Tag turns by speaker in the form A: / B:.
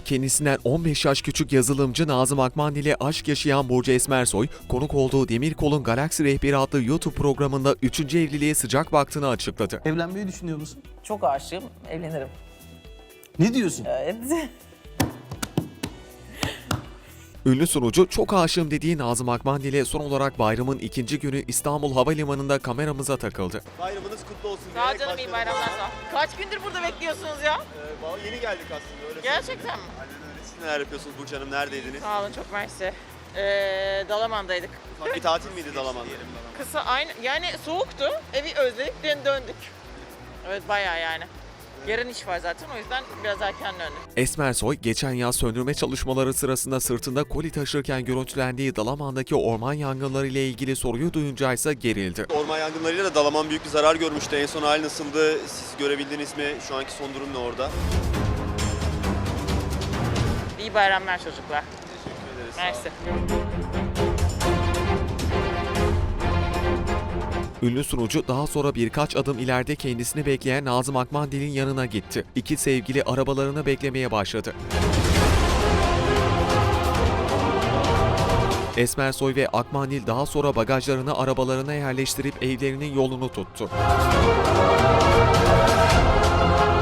A: kendisinden 15 yaş küçük yazılımcı Nazım Akmandil ile aşk yaşayan Burcu Esmersoy, konuk olduğu Demirkol'un Galaksi Rehberi adlı YouTube programında 3. evliliğe sıcak baktığını açıkladı.
B: Evlenmeyi düşünüyor musun?
C: Çok aşığım, evlenirim.
B: Ne diyorsun?
C: Evet.
A: Ünlü sunucu çok aşığım dediği Nazım Akmandil'e son olarak bayramın ikinci günü İstanbul Havalimanı'nda kameramıza takıldı.
D: Bayramınız kutlu olsun.
C: Sağ ol
D: diyerek
C: canım, iyi
D: başladım.
C: bayramlar sağ ol. Kaç gündür burada bekliyorsunuz ya?
D: Vallahi yeni geldik aslında öyle.
C: Gerçekten mi?
D: Aynen öyle. Siz neler yapıyorsunuz Burcu Hanım? Neredeydiniz?
C: Sağ olun, çok mersi. Dalaman'daydık.
D: Ufak bir tatil miydi Dalaman?
C: Kısa aynı, yani soğuktu. Evi özledik, döndük. Evet, bayağı yani. Yarın iş var zaten, o yüzden biraz erken döndüm.
A: Esmersoy, geçen yaz söndürme çalışmaları sırasında sırtında koli taşırken görüntülendiği Dalaman'daki orman yangınları ile ilgili soruyu duyunca ise gerildi.
D: Orman yangınlarıyla da Dalaman büyük bir zarar görmüştü. En son hali nasıldı? Siz görebildiniz mi? Şu anki son durum ne orada?
C: İyi bayramlar çocuklar.
D: Teşekkür ederiz. Sağ olun.
C: Mersi.
A: Ünlü sunucu daha sonra birkaç adım ileride kendisini bekleyen Nazım Akmandil'in yanına gitti. İki sevgili arabalarını beklemeye başladı. Esmersoy ve Akmandil daha sonra bagajlarını arabalarına yerleştirip evlerinin yolunu tuttu.